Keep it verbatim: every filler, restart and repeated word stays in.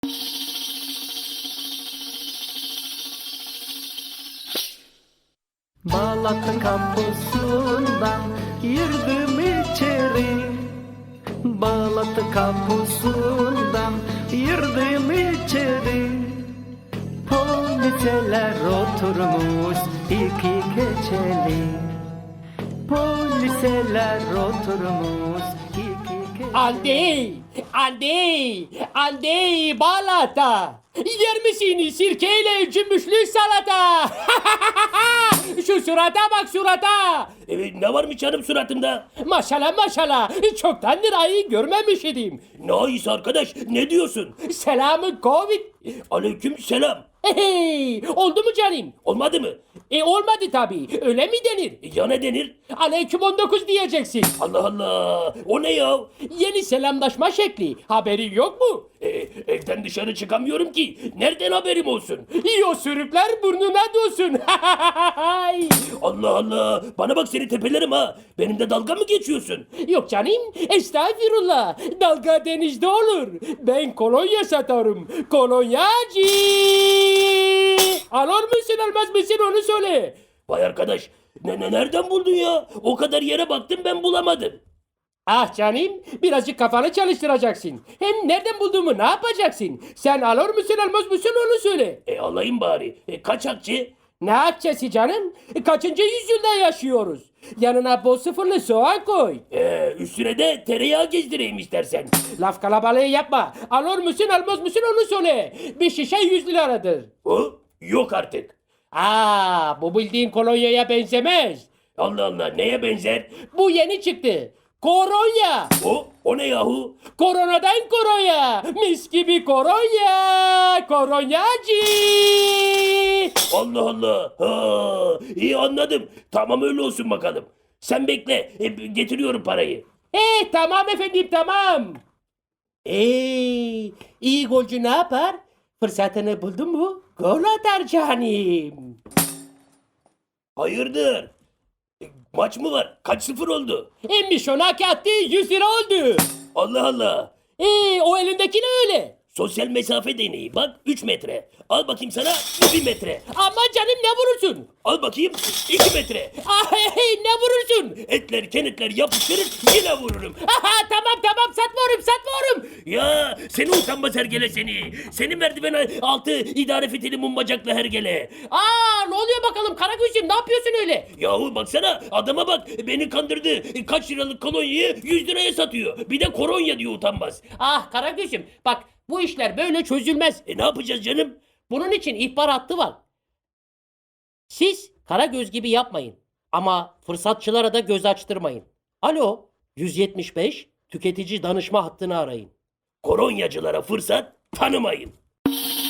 Balat'ın kampusundan girdim içeri. Balat'ın kampusundan girdim içeri. Poliseler oturmuş iki keçeli. Poliseler oturmuş iki keçeli. Andi, Andi, Andi Balat'a. Yer misin sirkeyle cümbüşlü salata? Şu surata bak surata. Evet, ne varmış canım suratımda? Maşallah maşallah. Çoktandır ayı görmemiş idim. Ne ayısı arkadaş, ne diyorsun? Selamı Covid. Aleyküm selam. Hey, oldu mu canım? Olmadı mı? E olmadı tabii. Öyle mi denir? E, ya ne denir? Aleyküm on dokuz diyeceksin. Allah Allah, o ne ya? Yeni selamlaşma şekli. Haberi yok mu? E, evden dışarı çıkamıyorum ki. Nereden haberim olsun? İyi sürükler burnuna dolsun. Allah Allah, bana bak seni tepelerim ha. Benimle dalga mı geçiyorsun? Yok canım, estağfirullah. Dalga denizde olur. Ben kolonya satarım. Kolonyacı. Alır mısın almaz mısın onu söyle. Vay arkadaş, ne, ne nereden buldun ya? O kadar yere baktım ben bulamadım. Ah canım, birazcık kafanı çalıştıracaksın. Hem nereden bulduğumu ne yapacaksın? Sen alır mısın almaz mısın onu söyle. E alayım bari. E, kaç akçe? Ne akçesi canım? Kaçıncı yüzyılda yaşıyoruz? Yanına bol sıfırlı soğan koy. E, üstüne de tereyağı gezdireyim istersen. Laf kalabalığı yapma. Alır mısın almaz mısın onu söyle. Bir şişe yüz liradır. O yok artık. Aa, bu bildiğin kolonyaya benzemez. Allah Allah, neye benzer? Bu yeni çıktı. Koronya. O, o ne yahu? Koronadan koronya. Mis gibi koronya. Koronyacı. Allah Allah. Ha, iyi anladım. Tamam öyle olsun bakalım. Sen bekle. E, getiriyorum parayı. Hey tamam efendim tamam. Hey iyi golcü ne yapar? Fırsatını buldun mu? Gol atar canım. Hayırdır? E, maç mı var? Kaç sıfır oldu? Emmiş ona attı yüz lira oldu. Allah Allah. Ee, o elindeki ne öyle? Sosyal mesafe deneyi. Bak üç metre. Al bakayım sana bir metre. Aman canım ne vurursun? Al bakayım iki metre. Ah, hey, hey, ne vurursun? Etler kenetler yapıştırır yine vururum. Aha, tamam tamam satmıyorum satmıyorum. Ya seni utanmaz hergele seni. Seni merdiven altı idare fitili mum bacaklı hergele. Aa ne oluyor bakalım Karagöz'üm ne yapıyorsun öyle? Yahu baksana adama bak beni kandırdı. Kaç liralık kolonyayı yüz liraya satıyor. Bir de koronya diyor utanmaz. Ah Karagöz'üm bak bu işler böyle çözülmez. E ne yapacağız canım? Bunun için ihbar hattı var. Siz Karagöz gibi yapmayın. Ama fırsatçılara da göz açtırmayın. Alo yüz yetmiş beş tüketici danışma hattını arayın. Koronyacılara fırsat tanımayın.